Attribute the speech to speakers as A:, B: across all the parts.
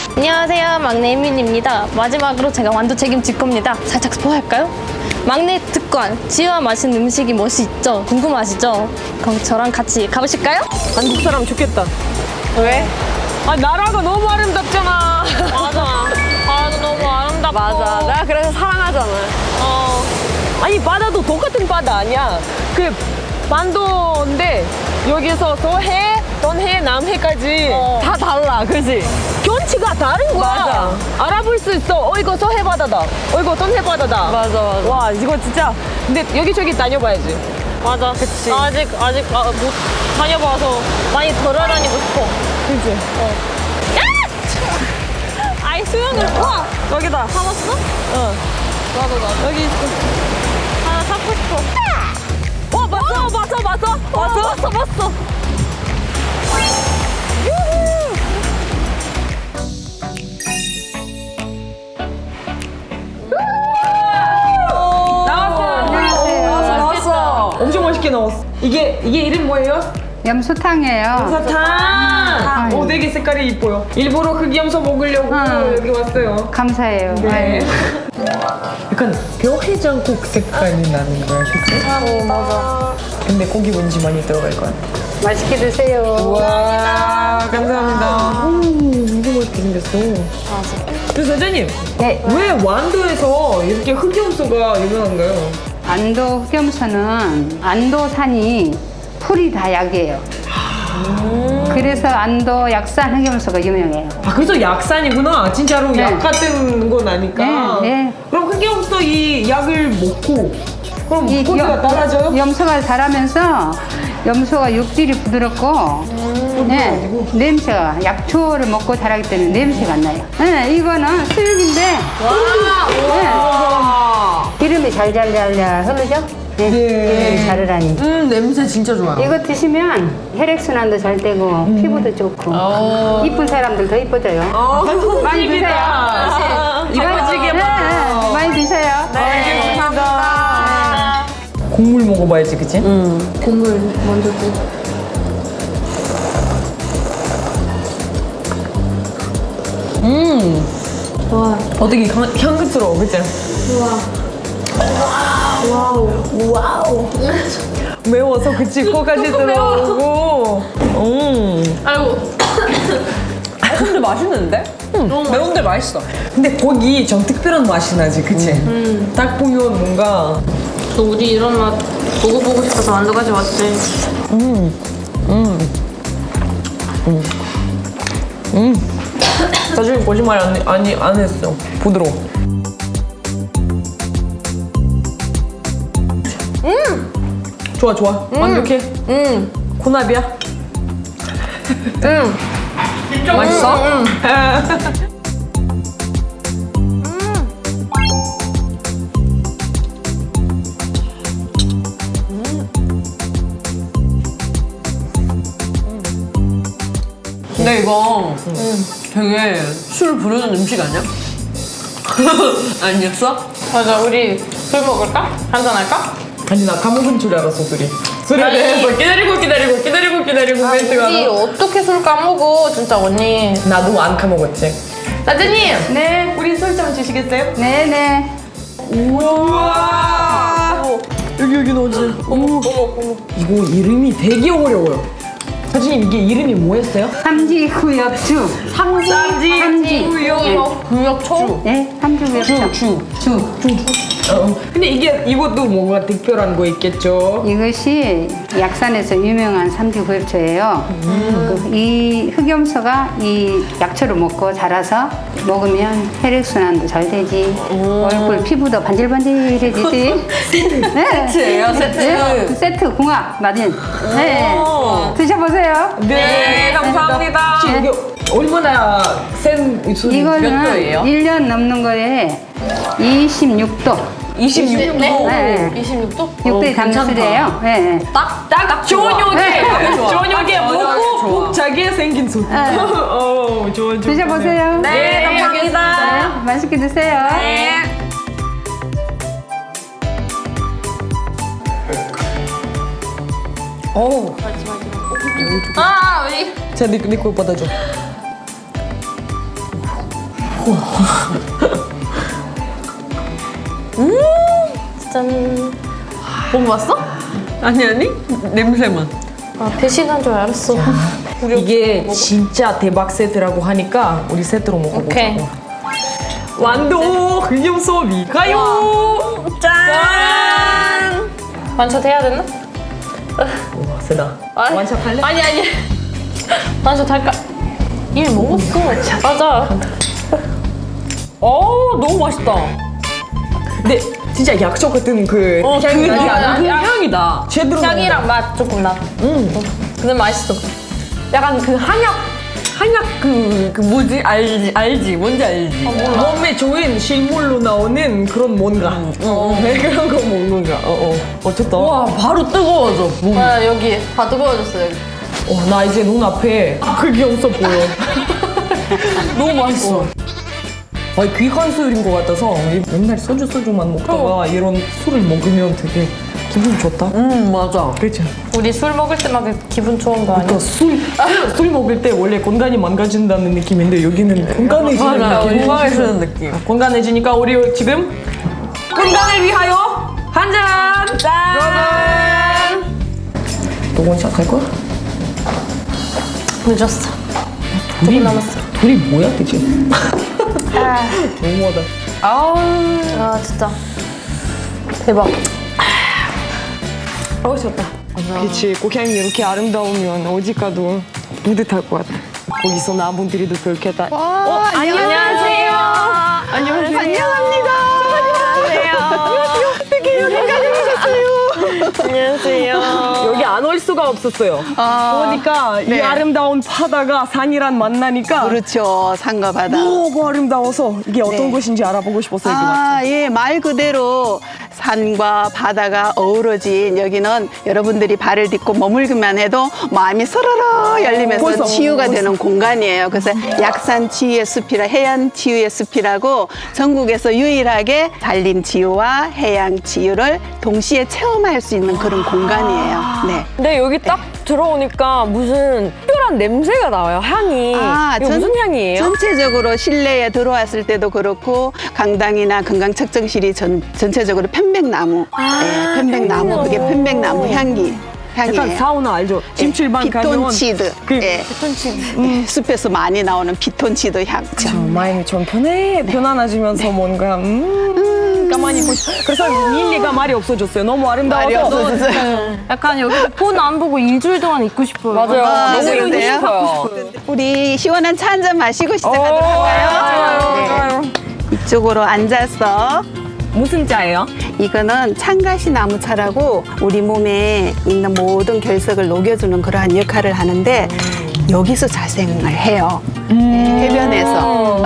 A: 안녕하세요, 막내 혜민입니다. 마지막으로 제가 완도 책임질 겁니다. 살짝 스포할까요? 막내 특권, 지와 맛있는 음식이 무엇이 있죠? 궁금하시죠? 그럼 저랑 같이 가보실까요?
B: 한국 사람 좋겠다.
A: 왜?
B: 아, 나라가 너무 아름답잖아.
A: 맞아. 아, 너무 아름답고.
B: 맞아. 내가 그래서 사랑하잖아. 아니, 바다도 똑같은 바다 아니야. 그, 반도인데, 여기서 서해, 동해, 남해까지 다 달라. 그지? 경치가 다른 거야.
C: 맞아.
B: 알아볼 수 있어. 이거 서해 바다다. 이거 동해 바다다.
C: 맞아.
B: 와, 이거 진짜. 근데 여기저기 다녀봐야지.
A: 맞아.
B: 그치.
A: 아직 못 다녀봐서 많이 돌아다니고 싶어.
B: 그지?
A: 아이, 수영을. 우와!
B: 여기다.
A: 사봤어?
B: 어.
A: 나도.
B: 여기 있어.
A: 하나 사고 싶어.
B: 와, 봤어?
A: 봤어.
B: 나왔어. 엄청 맛있게 나왔어. 이게 이름 뭐예요?
C: 염소탕이에요.
B: 사탕. 오, 되게 색깔이 이뻐요. 일부러 흑염소 먹으려고 여기 왔어요.
C: 감사해요.
B: 네.
C: 아유.
B: 약간 뼈해장국 색깔이 나는 거야, 그치?
A: 맞아.
B: 근데 고기 뭔지 많이 들어갈 것 같아.
C: 맛있게 드세요.
B: 와, 감사합니다. 너무 맛있게 생겼어.
A: 맞아.
B: 그 사장님,
C: 네.
B: 왜 완도에서 이렇게 흑염소가 유명한가요?
C: 안도 흑염소는 안도산이 풀이 다 약이에요. 그래서 안도 약산 흑염소가 유명해요.
B: 아, 그래서 약산이구나. 진짜로
C: 네.
B: 약 같은 건 아니까.
C: 네, 네.
B: 그럼 흑염소 이 약을 먹고 그럼
C: 이
B: 고기가
C: 염-
B: 달라져요?
C: 염소가 자라면서 염소가 육질이 부드럽고 네, 냄새가 약초를 먹고 자라기 때문에 냄새가 안 나요. 네, 이거는 수육인데 네, 기름이 잘잘잘 흐르죠? 네, 기름이 자르라니.
B: 냄새 진짜 좋아요.
C: 이거 드시면 혈액순환도 잘 되고 피부도 좋고 이쁜 사람들 더 이뻐져요. 많이 드세요.
B: 이뻐지게
C: 네, 많이 드세요.
B: 감사합니다. 국물 먹어봐야지, 그치?
C: 국물 먼저 드.
B: 어, 되게 향긋스러워, 그치? 와우. 매워서 그치? 코까지 들어오고.
A: 아이고.
B: 근데 맛있는데? 매운데 맛있어. 근데 고기 좀 특별한 맛이 나지, 그치? 딱 보면 뭔가.
A: 또 우리 이런 맛 먹어보고 싶어서 완도까지 왔지.
B: 사실 거짓말 안 했어. 부드러워. 좋아. 완벽해. 고나비야. 맛있어?
D: 근데 이거 되게 술 부르는 음식 아니야? 아니었어?
A: 맞아, 우리 술 먹을까? 한잔할까?
B: 아니, 나 까먹은 줄 알았어, 술에
A: 아니.
B: 대해서 기다리고 멘트가
A: 우리
B: 나.
A: 어떻게 술 까먹어, 진짜 언니.
B: 나도 안 까먹었지.
A: 사장님!
C: 네,
B: 우리 술 좀 주시겠어요?
C: 네.
B: 우와. 여기 넣어주세요. 어머. 이거 이름이 되게 어려워요. 사장님, 이게 이름이 뭐였어요?
C: 삼지구엽주. 삼지.
A: 구역초?
C: 네, 삼지구엽주. 주.
B: 근데 이것도 뭔가 특별한 거 있겠죠?
C: 이것이 약산에서 유명한 삼지구엽초예요. 이 흑염소가 이 약초를 먹고 자라서 먹으면 혈액순환도 잘 되지. 얼굴 피부도 반질반질해지지. 네.
D: 세트예요, 세트.
C: 네, 세트 궁합 맞은. 네. 드셔보세요.
B: 네,
D: 감사합니다.
B: 혹시 이게 얼마나 센 술이 몇
C: 이거는
B: 도예요?
C: 1년 넘는 거에 26도.
D: 26도.
C: 네.
A: 26도?
C: 6도에 담는 술이에요. 네.
D: 딱
B: 좋은 요게!
C: 네.
B: 좋은 요게 먹고
D: 좋아.
B: 꼭 자기의 생긴 술. 좋아.
C: 드셔보세요.
D: 네, 감사합니다.
C: 네, 맛있게 드세요.
B: 어우.
A: 아, 우리.
B: 자, 네 거 받아줘.
A: 짠.
B: 먹어봤어? 아니 냄새만.
A: 아, 배신한 줄 알았어.
B: 이게 진짜 대박 세트라고 하니까 우리 세트로
A: 오케이.
B: 먹어보자고. 완도 흑염 소비 가요. 짠.
A: 완샷 해야 되나?
B: 와 세다.
A: 아니,
B: 완샷 할래?
A: 아니. 완샷 할까? 일 먹었어. 맞아.
B: 너무 맛있다. 근데 진짜 약초 같은 그 향이 나지 않아? 그 향이다. 제대로
A: 향이랑 맛 조금 나. 근데 맛있어.
B: 약간 그 한약 그 뭐지 알지 뭔지 알지 몸에 좋은 실물로 나오는 그런 뭔가 그런 거 먹는 거야. 어쨌든 와 바로 뜨거워져 몸.
A: 아, 여기 다 뜨거워졌어, 여기.
B: 나 이제 눈앞에 그게 없어 보여. 너무 맛있어. 귀한 술인 것 같아서 맨날 소주만 먹다가 이런 술을 먹으면 되게 기분 좋다. 맞아. 그렇죠.
A: 우리 술 먹을 때마다 기분 좋은 거 아니야?
B: 그러니까 술 먹을 때 원래 건강이 망가진다는 느낌인데 여기는 건강해지는 느낌.
D: 건강해지는 느낌.
B: 건강해지니까 우리 지금 건강을 위하여 한 잔! 짠! 또 원샷 할 거야?
A: 늦었어. 조금 남았어.
B: 둘이 뭐야 대체? 너무하다.
A: 아, 진짜. 대박.
B: 좋다. 그치, 고향이 이렇게 아름다우면 어디 가도 뿌듯할 것 같아. 거기서 나무들이도 그렇게 다.
A: 안녕하세요.
B: 여기 안 올 수가 없었어요. 보니까 이 아름다운 바다가 산이랑 만나니까
E: 그렇죠. 산과 바다.
B: 너무 아름다워서 이게 어떤 곳인지 알아보고 싶었어요. 이거 맞죠?
E: 예, 말 그대로 산과 바다가 어우러진 여기는 여러분들이 발을 딛고 머물기만 해도 마음이 서러러 열리면서
B: 벌써,
E: 치유가
B: 벌써.
E: 되는 공간이에요. 그래서 약산 치유의 숲이라 해안 치유의 숲이라고 전국에서 유일하게 산림 치유와 해양 치유를 동시에 체험할 수 있는 그런 공간이에요. 네.
D: 근데 여기 딱 들어오니까 무슨 특별한 냄새가 나와요, 향이. 이거 무슨 향이에요?
E: 전체적으로 실내에 들어왔을 때도 그렇고 강당이나 건강측정실이 전체적으로 편백나무, 편백나무 그게 편백나무 향이에요.
B: 약간 사우나 알죠? 침출방 가면
E: 피톤치드, 숲에서 많이 나오는 피톤치드 향.
B: 마음이 좀 편안해지면서 뭔가 가만히 있고 싶어. 그래서 릴리가 말이 없어졌어요. 너무 아름다워서.
E: 말이 없어졌어요.
A: 약간 여기 폰 안 보고 일주일 동안 있고 싶어요.
D: 맞아요. 너무 있고
E: 그러세요?
D: 싶어요.
E: 우리 시원한 차 한 잔 마시고 시작하도록 할까요? 네. 이쪽으로 앉아서.
B: 무슨 짜예요?
E: 이거는 창가시 나무차라고 우리 몸에 있는 모든 결석을 녹여주는 그러한 역할을 하는데 여기서 자생을 해요. 네, 해변에서.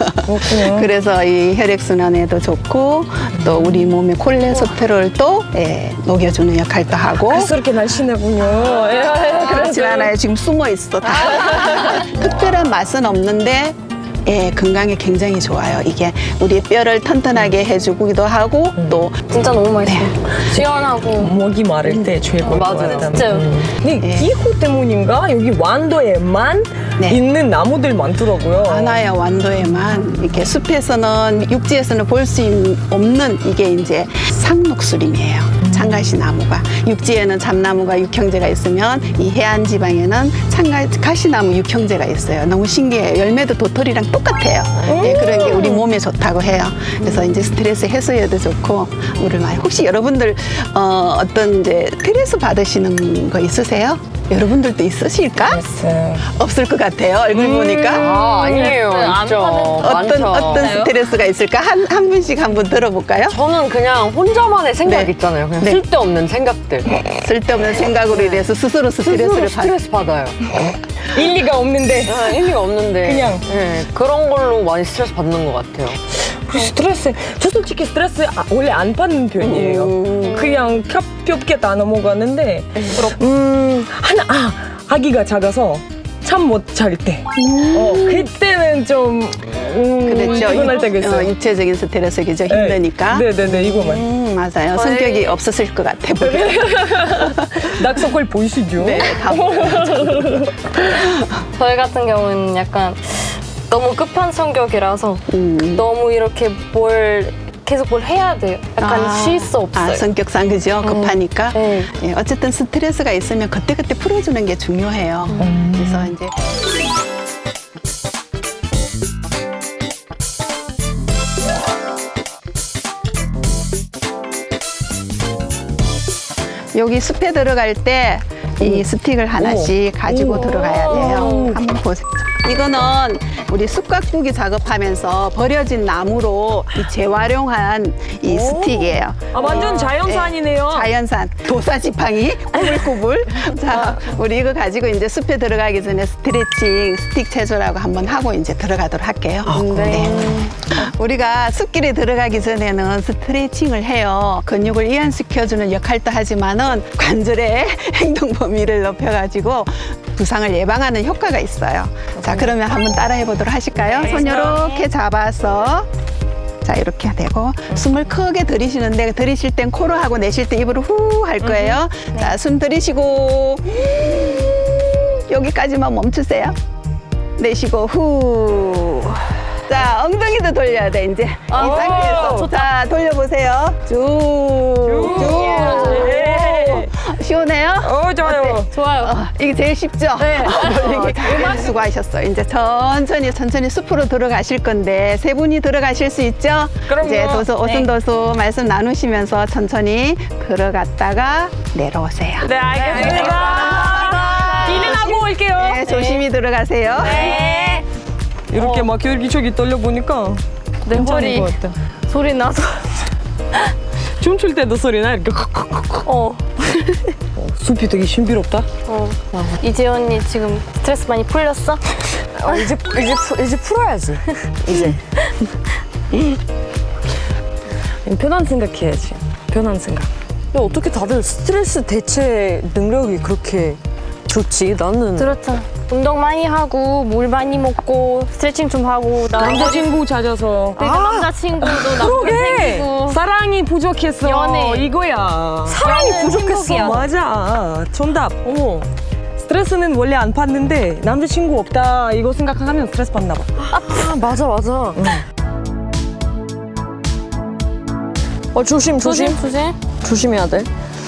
E: 그래서 이 혈액순환에도 좋고 또 우리 몸의 콜레스테롤도 녹여주는 역할도 하고.
B: 그래서 이렇게 날씬하군요.
E: 그렇진 않아요. 지금 숨어 있어. 다. 특별한 맛은 없는데 건강에 굉장히 좋아요. 이게 우리 뼈를 튼튼하게 해주기도 하고 또
A: 진짜 너무 맛있어요. 시원하고.
B: 목이 마를 때 최고.
D: 맞아요.
A: 진짜.
B: 근데 기후 때문인가 여기 완도에만 있는 나무들 많더라고요.
E: 많아요. 완도에만 이렇게 숲에서는 육지에서는 볼 수 없는 이게 이제 상록수림이에요. 창가시 나무가 육지에는 잠나무가 육형제가 있으면 이 해안 지방에는 가시나무 육형제가 있어요. 너무 신기해요. 열매도 도토리랑 똑같아요. 그런 게 우리 몸에 좋다고 해요. 그래서 이제 스트레스 해소에도 좋고 물을 많이. 혹시 여러분들 어떤 이제 스트레스 받으시는 거 있으세요? 여러분들도 있으실까? 없을 것 같아요. 얼굴 보니까.
D: 아니에요. 진짜. 많죠.
E: 어떤 스트레스가 있을까? 한 분씩 한번 들어볼까요?
D: 저는 그냥 혼자만의 생각
E: 네.
D: 있잖아요. 그냥
E: 네.
D: 쓸데없는 생각들.
E: 쓸데없는 생각으로 인해서 스스로 스트레스를
D: 스트레스 받아요.
B: 일리가 없는데.
D: 의미가 없는데.
B: 그냥.
D: 네, 그런 걸로 많이 스트레스 받는 것 같아요.
B: 저 솔직히 스트레스 원래 안 받는 편이에요. 그냥 가볍게 다 넘어가는데 아기가 작아서 잠 못 잘 때 그때는 좀
E: 그렇죠.
B: 피곤할 때가 있어요.
E: 육체적인 스트레스겠죠. 힘드니까.
B: 네네네 이거만.
E: 맞아요. 성격이 없었을 것 같아. 보면.
B: 낙서걸 보이시죠?
E: 네, 다 보여요.
A: 저희 같은 경우는 약간 너무 끝판성격이라서 너무 이렇게 계속 뭘 해야 돼요. 약간 쉴 수 없어요.
E: 성격상 그죠? 급하니까.
A: 네.
E: 예, 어쨌든 스트레스가 있으면 그때그때 풀어주는 게 중요해요. 그래서 이제 여기 숲에 들어갈 때 이 스틱을 하나씩 가지고 들어가야 돼요. 한번 보세요. 이거는 우리 숲가꾸기 작업하면서 버려진 나무로 이 재활용한 이 스틱이에요.
D: 아, 완전 자연산이네요.
E: 자연산 도사지팡이 꾸불꾸불. 자, 우리 이거 가지고 이제 숲에 들어가기 전에 스트레칭, 스틱 체조라고 한번 하고 이제 들어가도록 할게요. 네. 우리가 숲길에 들어가기 전에는 스트레칭을 해요. 근육을 이완시켜주는 역할도 하지만은 관절의 행동 범위를 높여가지고 부상을 예방하는 효과가 있어요. 자, 그러면 한번 따라해 보도록 하실까요? 손 이렇게 잡아서. 자, 이렇게 되고 숨을 크게 들이쉬는데 들이쉴 땐 코로 하고 내쉴 때 입으로 후 할 거예요. 자, 숨 들이쉬고 여기까지만 멈추세요. 내쉬고 후. 자, 엉덩이도 돌려야 돼 이제. 이 상태에서. 자, 돌려보세요. 쭉. 시원해요?
D: 좋아요.
A: 좋아요.
E: 이게 제일 쉽죠? 네. 수고하셨어요. 이제 천천히 숲으로 들어가실 건데 세 분이 들어가실 수 있죠?
D: 그럼요.
E: 이제 오순도순 말씀 나누시면서 천천히 들어갔다가 내려오세요.
D: 네, 알겠습니다. 힐링하고 올게요.
E: 네, 조심히 들어가세요.
D: 이렇게 막 여기저기 떨려보니까
A: 내
D: 괜찮은
A: 허리
D: 것 같아.
A: 소리 나서.
D: 춤출 때도 소리나 이렇게 숲이 되게 신비롭다.
A: 이재 언니 지금 스트레스 많이 풀렸어?
D: 이제 풀어야지. 이제. 편한 생각해야지. 편한 생각. 야, 어떻게 다들 스트레스 대체 능력이 그렇게 좋지? 나는
A: 그렇죠. 운동 많이 하고 물 많이 먹고 스트레칭 좀 하고
D: 남자친구 찾아서.
A: 그러니까 남자친구도 남편 생기고
D: 사랑이 부족했어.
A: 연애.
D: 이거야. 사랑이
A: 연애는
D: 부족했어.
A: 행복이야.
D: 맞아. 정답. 어머. 스트레스는 원래 안 받는데 남자친구 없다 이거 생각하면 스트레스 받나 봐. 아, 맞아. 조심. 조심해야 돼.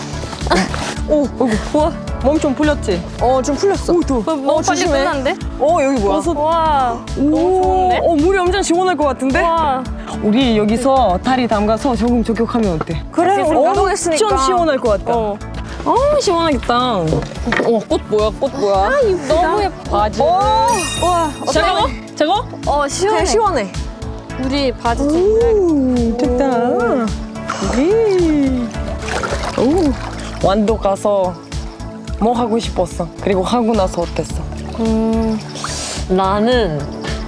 D: 우와. 몸 좀 풀렸지? 좀 풀렸어.
A: 너무 빨리 끝났는데?
D: 여기 뭐야?
A: 와 너무 좋은데?
D: 물이 엄청 시원할 것 같은데?
A: 와
D: 우리 여기서 다리 담가서 조금 저격하면 어때? 그래, 우리 운동했으니까. 엄청 시원할 것 같다. 시원하겠다. 꽃 뭐야?
A: 너무 예뻐.
D: 바지. 와, 저거?
A: 시원해.
D: 시원해.
A: 우리 바지 좀
D: 좋다. 완도 가서 뭐 하고 싶었어? 그리고 하고 나서 어땠어?
F: 나는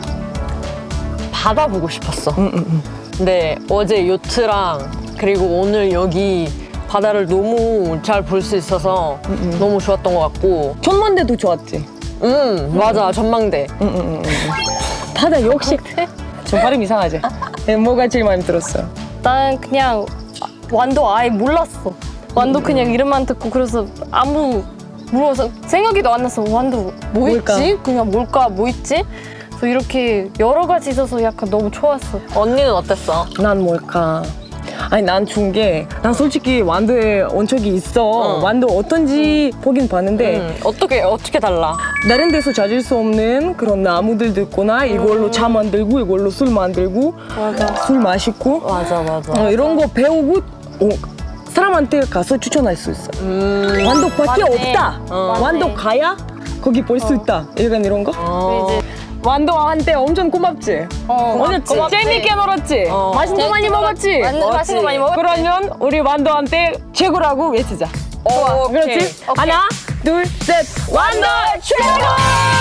F: 바다 보고 싶었어. 근데 어제 요트랑 그리고 오늘 여기 바다를 너무 잘 볼 수 있어서 너무 좋았던 것 같고.
D: 전망대도 좋았지?
F: 맞아, 전망대.
D: 바다 역시. 좀 발음 이상하지? 뭐가 제일 마음에 들었어?
A: 나는 그냥 완도 아예 몰랐어. 완도 그냥 이름만 듣고 그래서 아무 물어서 생각이도 안 났어. 완도 뭐
D: 뭘까?
A: 있지? 그냥 뭘까? 뭐 있지? 그래서 이렇게 여러 가지 있어서 약간 너무 좋았어.
F: 언니는 어땠어?
D: 난 뭘까? 아니 난 좋은 게 난 솔직히 완도에 온 적이 있어. 완도 어떤지 보긴 봤는데
F: 어떻게 달라?
D: 다른 데서 찾을 수 없는 그런 나무들도 있구나. 이걸로 차 만들고 이걸로 술 만들고 술 마시고
F: 맞아.
D: 이런 거 배우고 사람한테 가서 추천할 수 있어. 완도밖에
A: 맞네.
D: 없다. 완도 가야 거기 볼 수 있다. 약간 이런 거.
A: 이제
D: 완도한테 엄청 고맙지. 오늘
A: 고맙지.
D: 재밌게 놀았지. 맛있는 거 많이 먹었지.
A: 맛있는 거 많이 먹었지.
D: 그러면 우리 완도한테 최고라고 외치자. 좋아. 그렇지? 하나, 둘, 셋. 완도 최고!